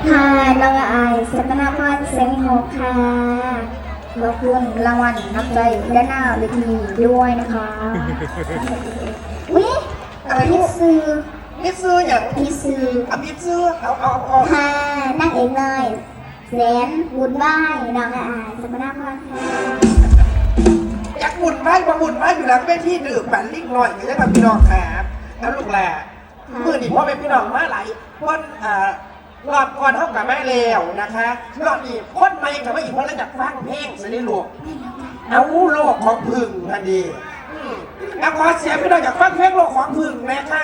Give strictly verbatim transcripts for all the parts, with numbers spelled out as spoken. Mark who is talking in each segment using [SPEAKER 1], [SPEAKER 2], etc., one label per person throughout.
[SPEAKER 1] ค่ะน้องอายสัตนาพรเซงโฮค่ะขอบคุณรางวัลน้ำใจด้านหน้าเวทีด้วยนะคะวิอะไรพี่ซื้อ
[SPEAKER 2] พี่ซื้ออย่าง
[SPEAKER 1] พี่ซื้อ
[SPEAKER 2] อ่ะพี่ซื้อเอาเอาเอา
[SPEAKER 1] ค่ะนั่งเองเลยแสนบุญบ้ายน้องอายสัตนาพรค่ะ
[SPEAKER 2] อยากบุญไหมมาบุญไหมอยู่หลังเวทีดื่มปั่นลิกหน่อยอย่างนี้ครับพี่น้องครับแล้วลูกแหล่มือนี่พ่อเป็นพี่น้องมาหลายคนอ่ารอบก่อนเท่ากับแม่แล้วนะคะรอบนี้คนใหม่กับไม่อีกคนแล้วจากฟังเพลงสิได้ลูกเอาโลกของพึ่งทันดีเอาขอเสียงพี่น้องจากฟังเพลงโลกของพึ่งนะคะ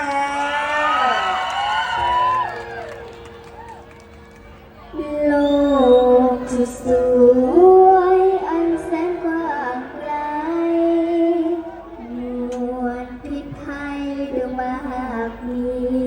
[SPEAKER 1] โลกที่สวยอันแสนกว้างไกลมวลพิษภัยเรื่องมากมี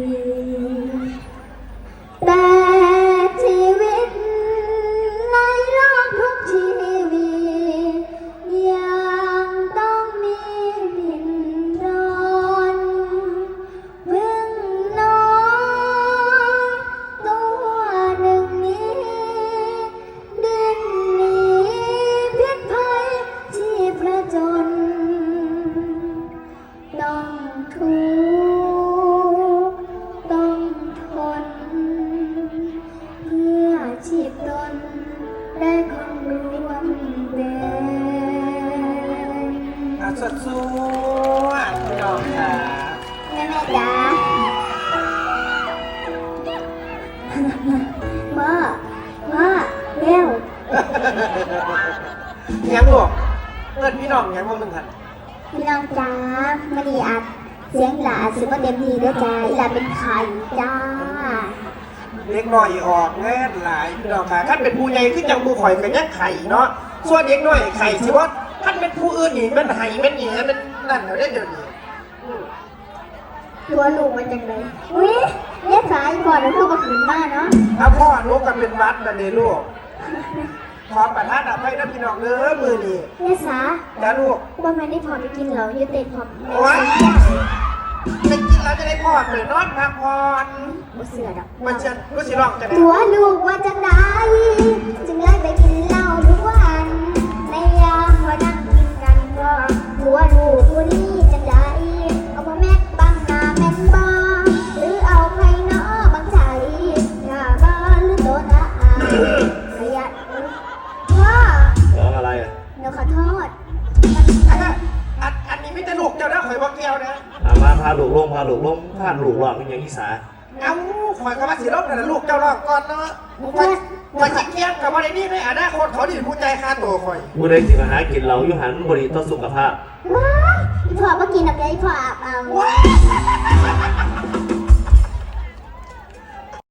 [SPEAKER 1] แต่ชีวิตในโลกทุกชีวิตยังต้องมีดินรนพึ่งน้อยตัวหนึ่งนี้ดิ้นหนีพิษภัยที่ประจนต้องทุกข์ต้องทนเพื่อชีพตนได้คงรวมเป็น
[SPEAKER 2] อ่ะสดสวยพี่น้องค่ะ
[SPEAKER 1] แม่แม่จ๋าพ่อพ่อเร็ว
[SPEAKER 2] ยังลูกเอิ้นพี่น้องยังว่ามึงหัน
[SPEAKER 1] พี่น้องจ๋าไม่ได้อัดเสียงหลาสิบ่เต็มที่ด้วยจ้าอีหลาเป็นไข่จ้า
[SPEAKER 2] เด็กน้อยออกแง่หลายพี่น้องค่ะท่านเป็นผู้ใหญ่ขึ้นจังผู้ข่อยกันยักไข่เนาะส่วนเด็กน้อยไข่สิว่าท่านเป็นผู้อื่นนี่มันไห้มันหนีมันนั่นเดี๋ยวได้เดี๋ยวนี้
[SPEAKER 1] ตัวลูกมันจังเลยอุ้ยเนี่ยสายก่อนแล้วลูกก็ขึ้นมาเนาะ
[SPEAKER 2] ถ้าพ่อลูกกันเป็นวัดนั่นเองลูกขอประทานอภัยนะพี่น้องเด้อมือนี่
[SPEAKER 1] เนี่ยสา
[SPEAKER 2] นะลูก
[SPEAKER 1] ว่าแม่ได้พอไปกินเหล้าอยู่เต็มพร้อมแม่
[SPEAKER 2] โอ้ยจะกินแล้วจะได้พ่อเปิดนอนพักผ่อน
[SPEAKER 1] บ่เสือดอก
[SPEAKER 2] มันจะรู้สิร้องจะได้
[SPEAKER 1] ตัวลูกว่าจังได้จึงเลยไปกินเหล้าทุกวันในยามพอนั่งกินกันก็หัวลูกผู้นี้จังได้เอาพ่อแม่บังหน้าแม่นบ่หรือเอาใครเนาะบังใจหน้าบ้านหรือโดนอาอาขยันพ่อ
[SPEAKER 3] ร้องอะไรอ่ะ
[SPEAKER 1] หนูขอโทษ
[SPEAKER 2] อันอันนี้ไม่ตลกเจ้านะข่อยบอกแก้วนะ
[SPEAKER 3] อามาพาลูกลงพาลูกลงพาลูกหลอกเป็นอย่างอีสา
[SPEAKER 2] เอ้าข่อยก็มาสิร้องแต่ลูกเจ้าร้องก่อนเนาะข่อยข่อยจิเกียงกับว่าในนี่ในอนาคตเขาดิผู้ใจค่าตัวข่อย
[SPEAKER 3] ผู้ใดที่มาหากินเหล้าอยู่หันบริต่อสุขภาพ
[SPEAKER 1] ว้ายอีพ่อมากินอะไรอีพ่ออาบเอา
[SPEAKER 2] ว้าย